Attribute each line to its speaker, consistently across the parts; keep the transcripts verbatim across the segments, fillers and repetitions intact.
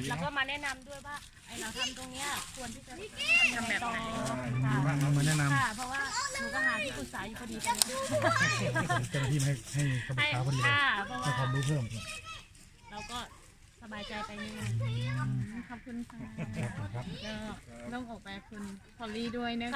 Speaker 1: แล้วก็มาแนะนำด้วยว่าไอเราทำตรงเนี้ยควรที่จะทำแบบไหน
Speaker 2: บ้างเรามาแนะนำ
Speaker 1: ค่ะเพราะว่าหนูก็หาที่ปรึกษาอยู่พอดีตอนนี้
Speaker 2: เจ้าหน้าที่มาให้ให้คำปรึกษาพอดีเลย
Speaker 1: ค่ะเพราะ
Speaker 2: ให้
Speaker 1: ว่า
Speaker 2: ความรู้เพิ่ม
Speaker 1: เราก็สบายใจไปนิดนึง
Speaker 3: ขอบคุณค่ะ
Speaker 2: ครับ
Speaker 3: ก็ต้องออกไปคุณพอลลี่ด้วยนะคะ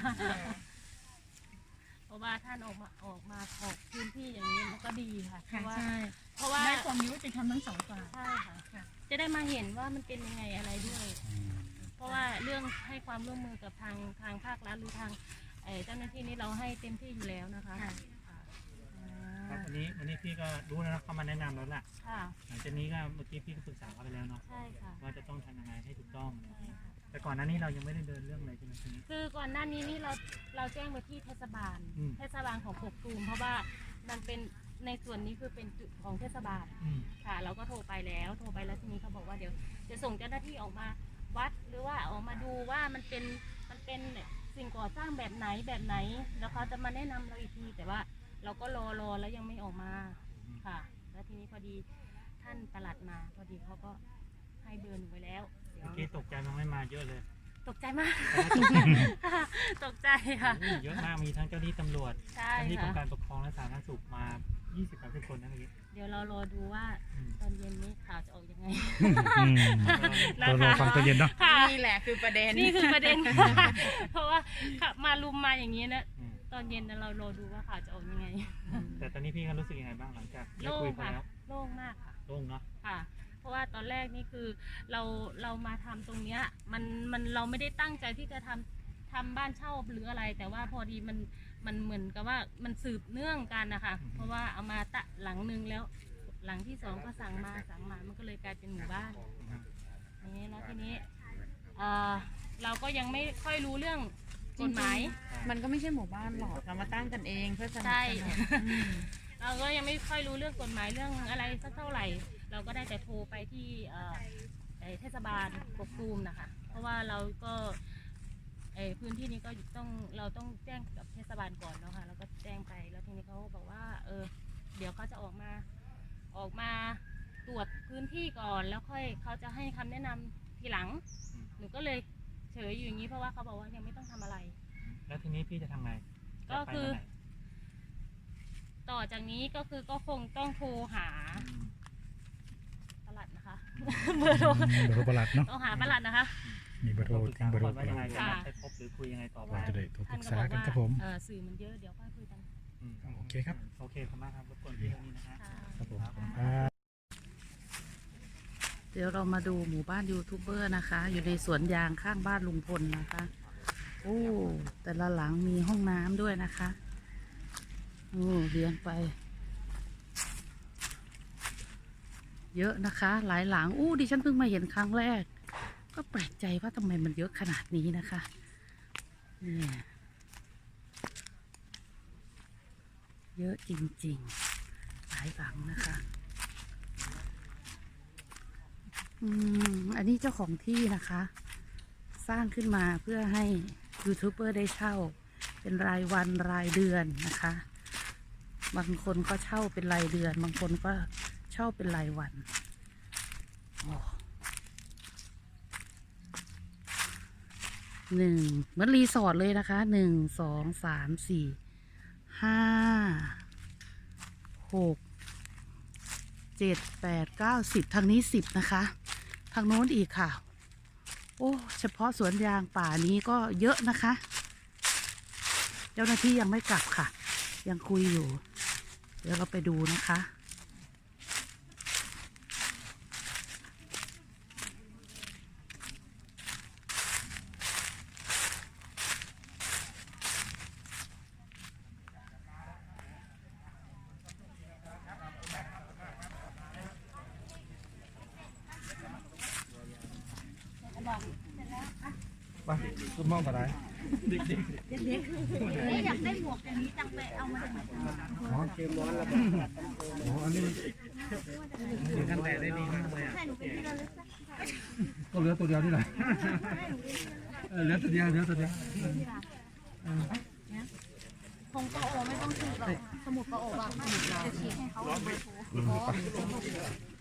Speaker 1: เพราะว่าท่านออกมาออกมาออกพื้นที่อย่างนี้มันก็ดีค่ะเพ
Speaker 3: ค่ะ
Speaker 1: ราะว่า
Speaker 3: ใช่
Speaker 1: เพราะว่า
Speaker 3: ได้ความยุติธรรมทั้งสองฝ่าย
Speaker 1: ใช่ค่ะจะได้มาเห็นว่ามันเป็นยังไงอะไรด้วย เพราะว่าเรื่องให้ความร่วมมือกับทางทางภาครัฐหรือทางเอ่อเจ้าหน้าที่นี้เราให้เต็มที่อยู่แล้วนะคะ
Speaker 3: ค่ะ
Speaker 1: ค่ะอ่
Speaker 4: ครับ
Speaker 1: า
Speaker 4: วันนี้วันนี้พี่ก็รู้แล้วนะเขามาแนะนำแล้วล่ะ
Speaker 1: ค่ะ
Speaker 4: หลังจากนี้ก็เมื่อกี้พี่ก็ปรึกษาเขาไปแล้วเนาะ
Speaker 1: ใช่ค่ะ
Speaker 4: ว่าจะต้องทำยังไงให้ถูกต้อง
Speaker 1: ใช่ค่ะ
Speaker 4: แต่ก่อนหน้านี้เรายังไม่ได้เดินเรื่องอะไรใช่ไหมทีนี้
Speaker 1: คือก่อนหน้านี้นี่เราเราแจ้งไปที่เทศบาล
Speaker 4: อืม
Speaker 1: เทศบาลของกกตูมเพราะว่ามันเป็นในส่วนนี้คือเป็นจุดของเทศบาล
Speaker 4: อืม
Speaker 1: ค่ะ เราก็โทรไปแล้วโทรไปแล้วทีนี้เขาบอกว่าเดี๋ยวจะส่งเจ้าหน้าที่ออกมาวัดหรือว่าออกมาดูว่ามันเป็นมันเป็นสิ่งก่อสร้างแบบไหนแบบไหน แล้วเขาจะมาแนะนำเราอีกทีแต่ว่าเราก็รอรอแล้วยังไม่ออกมาค่ะ แล้วทีนี้พอดีท่านปลัดมาพอดีเขาก็ให้เบอร์หนูไว้แล้วเดี๋ยว
Speaker 4: เมื่อกี้ตกใจมันไม่มาเยอะเลย
Speaker 1: ตกใจมาก ตกใจค่ะ
Speaker 4: โอ้โหเยอะมากมีทั้งเจ้าหน้าที่ตำรวจ
Speaker 1: ใช่
Speaker 4: เจ้าหน้าที่กรม
Speaker 1: ค่ะ
Speaker 4: การปกครองและสาธารณสุขมา ยี่สิบ สามสิบ คนนะเมื่อกี้
Speaker 1: เดี๋ยวเรารอดูว่า
Speaker 4: อืม
Speaker 1: ตอนเย็นนี้ข่าวจะออกยังไง
Speaker 2: เรารอฟังตอนเย็นเนาะ
Speaker 1: ค่ะ
Speaker 3: นี่แหละคือประเด็น
Speaker 1: นี่คือประเด็น เพราะว่าขับมาลุมมาอย่างนี้นะ
Speaker 4: อืม
Speaker 1: ตอนเย็นนะเรารอดูว่าข่าวจะออกยังไง
Speaker 4: แต่ตอนนี้พี่ก็รู้สึกยังไงบ้างหลังจากได้
Speaker 1: โล่
Speaker 4: คุย
Speaker 1: ง
Speaker 4: เขา
Speaker 1: ค่ะ
Speaker 4: แล้ว
Speaker 1: โล่งมากค่ะ
Speaker 4: โล่งเนาะ
Speaker 1: ค่ะ เพราะว่าตอนแรกนี่คือเราเรามาทำตรงเนี้ยมันมันเราไม่ได้ตั้งใจที่จะทำทำบ้านเช่าหรืออะไร แต่ว่าพอดีมันมันเหมือนกับว่ามันสืบเนื่องกันนะคะเพราะว่าเอามาตะหลังนึงแล้ว หลังที่สองก็สั่งมาสั่งมามันก็เลยกลายเป็นหมู่บ้านอย่างนี้แล้วทีนี้เอ่อเราก็ยังไม่ค่อยรู้เรื่องกฎหมาย
Speaker 3: มันก็ไม่ใช่หมู่บ้านหรอกเรามาตั้งกันเองเพื่อสนับ
Speaker 1: ใช่
Speaker 3: สนุนอืม
Speaker 1: เราก็ยังไม่ค่อยรู้เรื่องกฎหมายเรื่องอะไรสักเท่าไหร่ เราก็ได้แต่โทรไปที่เอ่อไอ้เทศบาลกกตูมนะคะ เพราะว่าเราก็ไอ้พื้นที่นี้ก็ต้องเราต้องแจ้งกับเทศบาลก่อนแล้วค่ะเราก็แจ้งไปแล้วทีนี้เขาบอกว่าเออเดี๋ยวเขาจะออกมาออกมาตรวจพื้นที่ก่อนแล้วค่อยเขาจะให้คำแนะนำทีหลังหนูก็เลยเฉยอยู่อย่างนี้เพราะว่าเขาบอกว่ายังไม่ต้องทำอะไร
Speaker 4: แล้วทีนี้พี่จะทำไง
Speaker 1: ก็
Speaker 4: จะไป
Speaker 1: คือ
Speaker 4: วันไหน
Speaker 1: ต่อจากนี้ก็คือก็คงต้องโทรหา
Speaker 4: อืม
Speaker 1: ปลัดนะคะ เบอร์โทร
Speaker 2: เบอร์โทรประหลัดเนาะ
Speaker 1: ต้องหาปลัดนะคะ
Speaker 2: มีเบอร์โทร
Speaker 4: ปรึก
Speaker 2: ทิ้
Speaker 4: ษาง
Speaker 2: เบอร์โทร
Speaker 4: ก่อน
Speaker 2: ป
Speaker 4: ว่า
Speaker 2: ระห
Speaker 4: ยั
Speaker 2: ลั
Speaker 4: ง
Speaker 2: ด
Speaker 4: ไงจะนัดไปพบหรือคุยยังไงต่อไป
Speaker 2: จะได้โทรป
Speaker 1: ท่า
Speaker 2: รึ
Speaker 1: น
Speaker 2: ก
Speaker 1: ก็
Speaker 2: ษา
Speaker 1: บอก
Speaker 2: กัน
Speaker 1: ว่า
Speaker 2: ครับผม
Speaker 1: เออสื่อมันเยอะเดี๋ยวค่อยคุยกัน
Speaker 4: อืม
Speaker 2: โอเคครับ
Speaker 4: โอเคขอบคุณมากครับรบกวนพี่ตรงนี้นะฮะ
Speaker 1: ค่ะ
Speaker 2: ครับผม
Speaker 4: ครับ
Speaker 2: ครับ
Speaker 5: เดี๋ยวเรามาดูหมู่บ้านยูทูบเบอร์นะคะ อยู่ในสวนยางข้างบ้านลุงพลนะคะ โอ้แต่ละหลังมีห้องน้ำด้วยนะคะโอ้เลี้ยงไป เยอะนะคะ หลายหลังอู้ดิฉันเพิ่งมาเห็นครั้งแรก ก็แปลกใจว่าทำไมมันเยอะขนาดนี้นะคะเนี่ยเยอะจริงๆ หลายหลังนะคะ อืมอันนี้เจ้าของที่นะคะ สร้างขึ้นมาเพื่อให้ยูทูบเบอร์ได้เช่า เป็นรายวันรายเดือนนะคะ บางคนก็เช่าเป็นรายเดือน บางคนก็เช่าเป็นรายวันโอ้หนึ่งเหมือนรีสอร์ทเลยนะคะหนึ่งสองสามสี่ห้าหกเจ็ดแปดเก้าสิบทางนี้สิบนะคะ ทางโน้นอีกค่ะ โอ้เฉพาะสวนยางป่านี้ก็เยอะนะคะ เจ้าหน้าที่ยังไม่กลับค่ะ ยังคุยอยู่ เดี๋ยวเราไปดูนะคะ
Speaker 2: ไปคุณมองอะไร
Speaker 1: อยากได้หมวกอย่างนี้จังไปเอามาจากไหน
Speaker 2: อ๋อเกมร้อนแล้วอ๋ออันนี้
Speaker 4: กันแดดได้ดีมากเลยอ่ะ
Speaker 2: ก็เหลือตัวเดียวนี่แหละเออเหลือตัวเดียวเหลือตัวเดียว
Speaker 1: คงปะโอไม่ต้องฉีดหรอกสมุดปะโอแบบจะฉีดให้เขา
Speaker 2: อืมไป